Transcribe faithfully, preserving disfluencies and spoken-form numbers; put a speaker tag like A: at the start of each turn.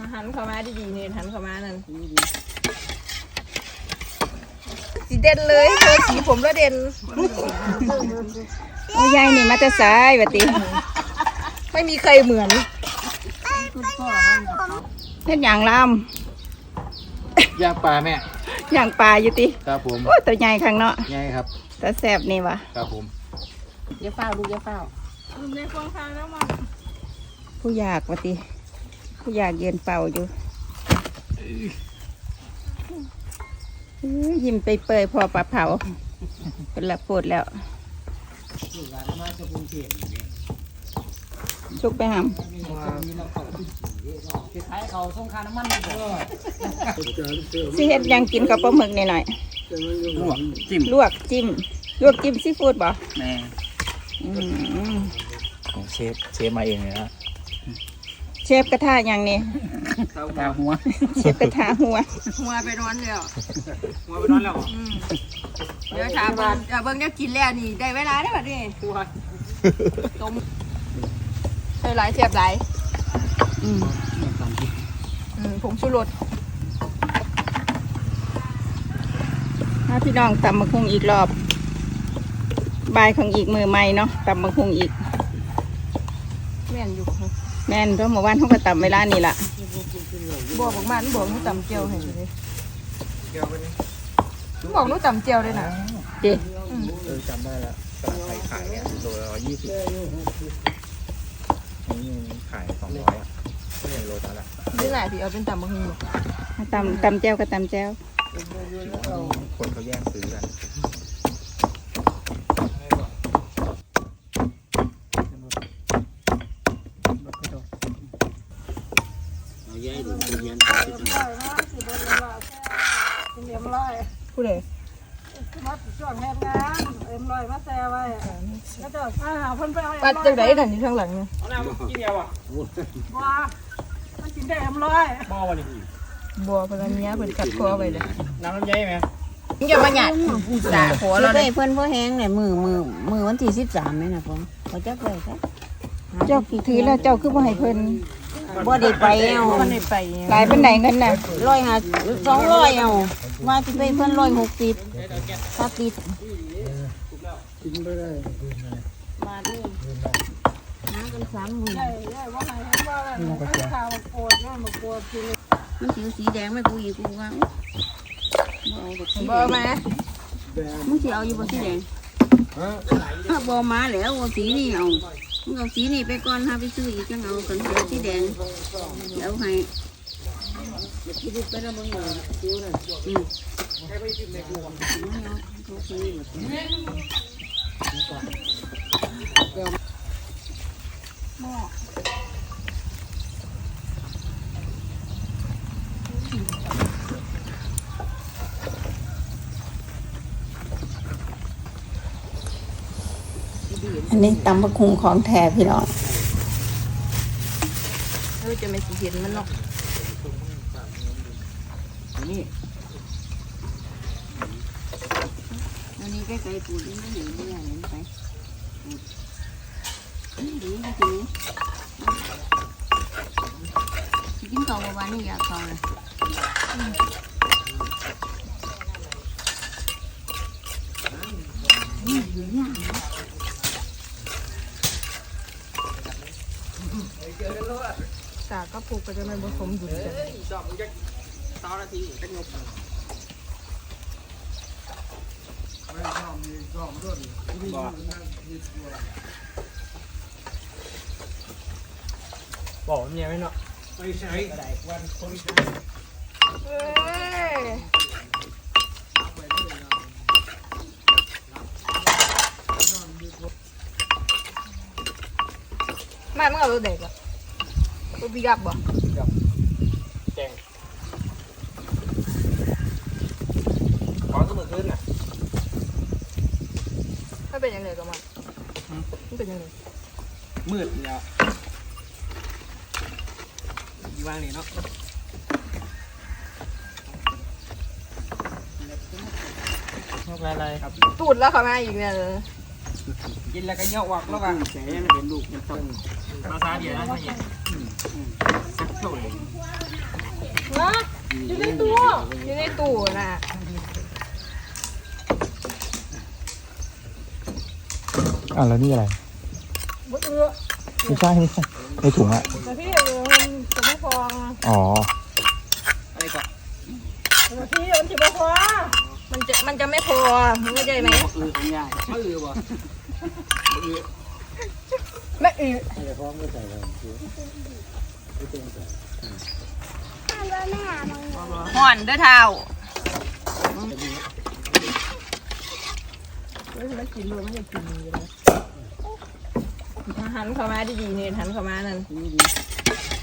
A: หันเข้ามาดีๆนี่หันเข้ามานั่นสีเด่นเลยเธอสีผมแล้วเด่น
B: โอ้ยายนี่มาจะสายบัดนี้
A: ไม่มีใครเหมือน
B: เฮ็ดหยังล
C: ย่างปลาแม่
B: ำย่างปลาอยู่ติ
C: ครับผม
B: โอ้ตัวใหญ่ข้างเนาะ
C: ใหญ่ครับ
B: ตาแซ่บนี่วะ
C: ครับผม
A: เดี๋ยวเฝ้าดูเดี๋ยวเฝ้าดูในฟองทางแล้วมา
B: ผู้อยากบัดนี้ผู้อยากยืนเป่าอยู่ยิ้มไปเปยพอปลาเผาเป็นละปวดแล้วชุกไปหำสิเฮ็ดยังกินกับปลาหมึกหน่อย
C: ลวกจิ้ม
B: ลวกจิ้มลวกจิ้มซีฟู้ดบ่
C: แม่ของเชฟเชฟมาเองเลยนะ
B: เชฟกระทะยังนี่
C: กระทะหัว
B: เชฟกระทะหัว
A: หัวไปนอนแล้ว
C: หัวไปนอนแล้ว
A: เดี๋ยวถามว่าเบิ้งเนี่ยกินแล้วนี่ได้เวลาได้แบบนี้ต้มใส่หลายเทียบหลายอืมอืมผงชูรส
B: ถ้าพี่น้องตำมะคุงอีกรอบใบของอีกมือใหม่เนาะตำมะคุงอีก
A: แม่นอยู่
B: แม่นเพราะเมื่อวานเขาก็ตำเวลานี่แหละ
A: บอกบอกมันบอกนู้ตำเจียวเห็นไหมบอกนู้ตำเจียวเลยนะ
B: เจ๊
C: เออจำได้แล้วตลาดไทยขายเนี่ยโลละยี่สิบนี่ขายสองร้อยอ่ะไม่ใช่โลละ
A: นี่แหละที่เอาเป็นตำมะฮุง
B: ตำตำเจียวกับตำเจียว
C: คนเขาแย่งซื้อกัน
A: ผู้ใด
D: มาช่วงแม่งานเอ็มลอยมาแซ่ไว้แล้วจะมาหาเพิ่นไปเอา
A: ปัดจังไดนั่นอยู่ข้างหลังนี่
C: เอาน้ำกินเดียวอ่ะ
D: บัวมันกินได้เอ็มลอย
C: บัววันนี้
A: บัวเพิ่นเนี้ยเพิ่นกัดคอไว้เลย
C: น้ำลำไยไหม
A: มึงอย่ามาหยาดด่าหัวเรา
B: ได้เพิ่นพ่อแห้งเนี่ยมือมือมือวันที่สิบสามไหมนะพ่อเขาจักเลยครับเจ้าถือแล้วเจ้าคือบ่ให้เพิ่นบ่ได้ไปเอา
A: บ่ได้ไป
B: หลายเป็นไหนเงินน่ะ
D: ร้อยห้าสองร้อยเอาว่าสิไปเพิ่นร้อยหกสิบถ้าติด
C: กินไปได้
D: มาดิหากันสามหมื่นใช่ใช่ว่าไหนเห็นว่าอะไรข่าวโกรธเนี่ยมาโกรธคือ
B: มันสีสีแดงไม่กูอีกกูว่า
A: บ่มา
B: มึงสิเอาอยู่บ่สีแดงถ้าบ่มาแล้วสีนี่เอามึงเอาสีนี่ไปก่อนถ้าไปซื้ออีกจังเอากันเสียสีแดงเดี๋ยวให้ไปแล้วมึงเอาซิ้วเลยอืมอันนี้ตำมะคุงของแท้พี่น้อง
A: เออจะไม่สิเห็นมันเนาะ
C: นี่
B: อันนี้ใกล้ๆปูนี่ไม่เห็นไม่เห็นไปนี่ดีจริงกินข้าวเมื่อวานนี่อยากข้าวเลย
A: สากก็ปลูกก็จะไม่ผสมดุลกัน
C: ชอบมึงจะต่อนาทีจะงบบอกเมียไหมเนาะไม่ใช่กระไดวันคนใช้
A: มาเมื่อเราเด็กอะตัวปีกับบ่
C: แจงขอสมุดขึ้นน่ะ
A: ไม่เป็นยังไงกับมันไม่เป็นยังไง
C: มืดเนี่ยยี่ว่างนี่เนาะอะไรครับ
A: ตูดแล้วเขามาอีกเนี่ย
C: กินแล้วก็เยาะวักแล้วกันแฉเห็นลูกมันต้นมาซาเดียวนะท่านเนี่ยสักเท่าไหร่
D: ฮะอยู่ในตู้
A: อยู่ในตู้น่ะ
E: อ่ะแล้วนี่อะไร
D: บ่เอือ
E: ไม่ใช่ไม่ใช่ในถุงอะ
D: แต่พี่เออมันจะไม่พอ
E: อ๋อ
C: อะไรก่อน
D: แต่พี่มันจะไม่พอ
A: มันจะมันจะไม่พอมึงเข้าใจไหม
C: คือของยายไม่อือบ่อือ
A: ไม่อือห่อนเด้อเท้า
D: เฮ้ยมันกินเลยมันจะกินอยู่เลย
A: หันเข้ามาดีๆเนี่ยหันเข้ามานั่น
C: นี่ดี